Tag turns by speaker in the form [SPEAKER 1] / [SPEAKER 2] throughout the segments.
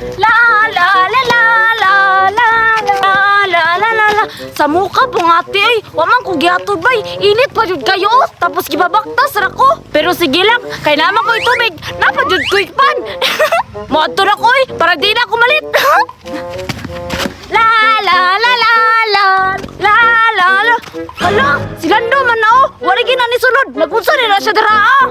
[SPEAKER 1] La la la la la la la la la la la. Sa mukha po nga ate ay, waman ko gihatod bay. Init pa jud kayo, tapos gibabaktas ra ko. Pero sige lang, kay naman ko itubig, napajud ko ikpan. Moadto na ko para di na ako malit. La la la la la la la la. Hala, si Lando man na oh, wala gina ni sulod. Nagunsa ni na siya dara ah.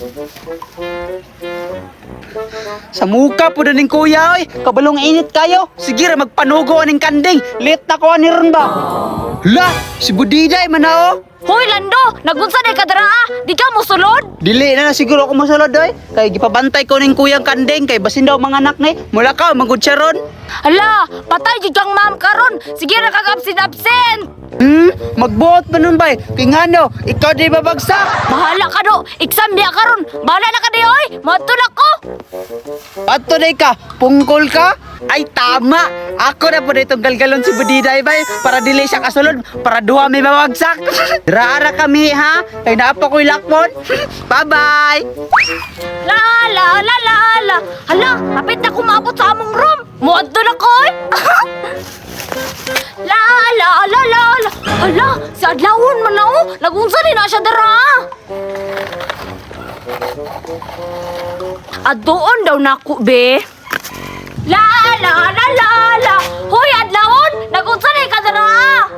[SPEAKER 2] Sa muka po ning kuya oy, kabalong init kayo. Sige ra magpanugo aning kanding. Late na ko ani ron ba? La, si Budiday man na oh.
[SPEAKER 1] Hoy Lando, nagunsa ni ka dara ah. Di ka mo sulod?
[SPEAKER 2] Dili na siguro ako masulod oy. Kay gipabantay ko ning kuyang kanding kay basin daw mga anak ni. Mula ka magud siya ron.
[SPEAKER 1] Hala, patay jud kang ma'am karon. Sige ra kag absent.
[SPEAKER 2] Magbuot pa nun bay. Kay ngano, ikaw di babagsak.
[SPEAKER 1] Bahala ka do. Exam biya karon. Bahala na ka di oy. Moadto na ko.
[SPEAKER 2] Ato day ka, pungkol ka? Ay tama. Ako na po ditong galgalon si Budiday bay para dili siya kasulod para duha may mawagsak. Rara kami ha. Kay naapa ko'y lakmon. Bye-bye.
[SPEAKER 1] La la la la la. Hala, kapit na kumabot sa among room. Moadto na ko oy. La la la la la. Hala, si Adlawon man na oh. Nagunsa ni na siya dara. Adoon daw nako be. La la la la la. Hoy Adlawon, nagunsa ni ka dara.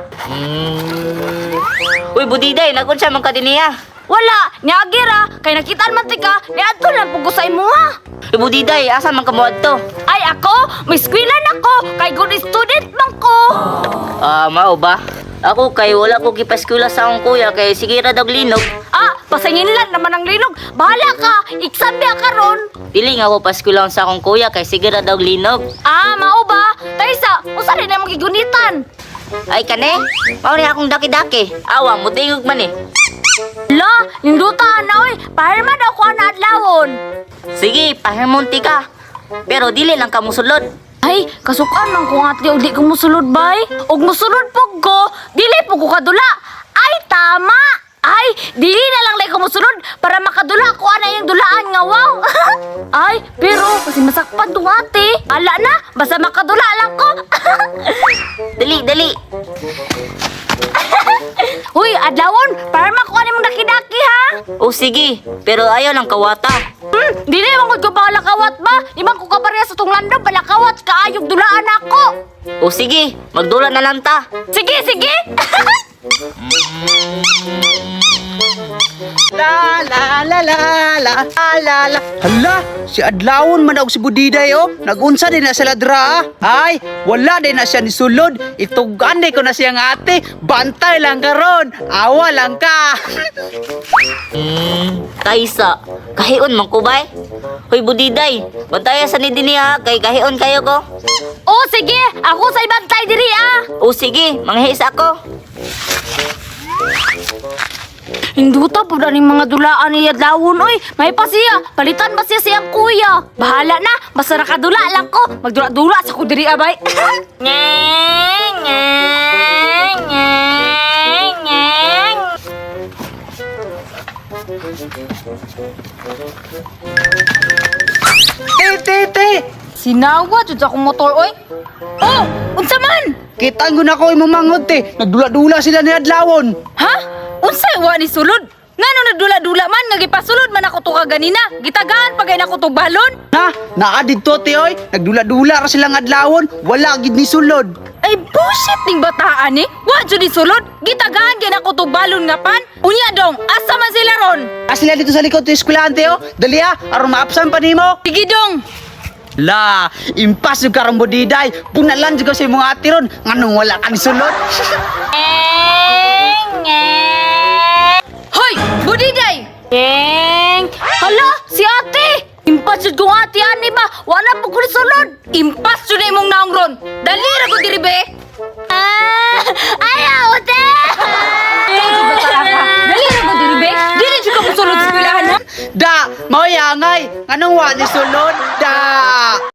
[SPEAKER 3] Uy, Budiday, nagunsa man ka din niya.
[SPEAKER 1] Wala, niagira, kay nakitaan man tika, niadto lang pugo sa imo ha.
[SPEAKER 3] Uy, Budiday, asa man ka mo adto?
[SPEAKER 1] Ay ako, may skwilan ako, kay good student man ko.
[SPEAKER 3] Mao ba? Ako kay wala ko gipaskula sa akong kuya kay sige ra daw linog.
[SPEAKER 1] Ah, pasangin lang naman ang linog. Bahala ka, exam biya karon.
[SPEAKER 3] Dili nga ako paskula sa akong kuya kay sige ra daw linog.
[SPEAKER 1] Ah, mao ba? Taysa, usa rin na magigunitan.
[SPEAKER 3] Ay kane, mao ni akong daki-daki. Awa mo tingog man eh.
[SPEAKER 1] La, ninduta na oy, pahirma daw ko na adlawon.
[SPEAKER 3] Sige, pahimunti ka. Pero dili lang ka musulod.
[SPEAKER 1] Ay, kasukan man ko nga tiyo, di ko musulod bay. Og musulod po ko, dili po ko kadula. Ay, tama! Ay, dili na lang lay ko musulod para makadula ko ana yung dulaan nga wow. Ay, pero kasi masakpan to ate. Ala na, basta makadula lang ko.
[SPEAKER 3] Dali.
[SPEAKER 1] Huy, adlawon, para makuha ni mong daki-daki ha.
[SPEAKER 3] O sige, pero ayaw lang kawata.
[SPEAKER 1] Dili mong ko balakawat ba? Imang ko kabarya sa tong Lando, balakawat kaayog dulaan ako.
[SPEAKER 3] O sige, magdula na lang ta.
[SPEAKER 1] Sige.
[SPEAKER 2] La la la la la la la. Hala, si Adlawon man og si Budiday oh. Nagunsa din na sila dra. Ay, wala din na siya ni sulod. Itugan ko na siyang ate. Bantay lang karon. Awa lang ka.
[SPEAKER 3] Kaysa, kahion man ko bay? Hoy Budiday, bantaya sa ni din niya kay kahion kayo ko.
[SPEAKER 1] Oh, sige, ako sa ibang tay diri ah.
[SPEAKER 3] O sige, manghis ako.
[SPEAKER 1] Hinduta po na mga dulaan ni Adlawon oy. May pa siya, palitan ba siya siyang kuya? Bahala na, basta nakadula lang ko. Magdula-dula sa ko diri abay.
[SPEAKER 2] Te.
[SPEAKER 1] Sinawa jud akong motor oy. Oh, unsa man?
[SPEAKER 2] Kita ko na ko imumangod te. Nagdula-dula sila ni Adlawon.
[SPEAKER 1] Ha? Unsay wa ni sulod? Ngano nagdula-dula man nga gipasulod man ako to kaganina. Gitagaan pagay nako to balon.
[SPEAKER 2] Na, naa didto te oy. Nagdula-dula ra silang Adlawon. Wala gid ni sulod.
[SPEAKER 1] Ay bullshit ning bataan ni. Wa jud ni sulod. Gitagaan gyud ako to balon nga pan. Unya dong, asa man sila ron?
[SPEAKER 2] Sila dito sa likod ng eskwelahan te oh. Dali aron maapsan pa nimo.
[SPEAKER 1] Sige dong.
[SPEAKER 2] La, impas yung karang Budiday. Punalan juga sa imong ati ron. Nganong wala ka ni sulod.
[SPEAKER 1] Hoy, Budiday! Hala, si ate! Impas yun kong ate ani ba? Wala po ko sulod! Impas yun na imong naong ron! Dali ra ko diri be! Ayaw, ate! Dali ra ko diri be! Dili siya ka mo sulod sa pilahan ha?
[SPEAKER 2] Da, mauyangay. Nganong wala ni sulod. Da.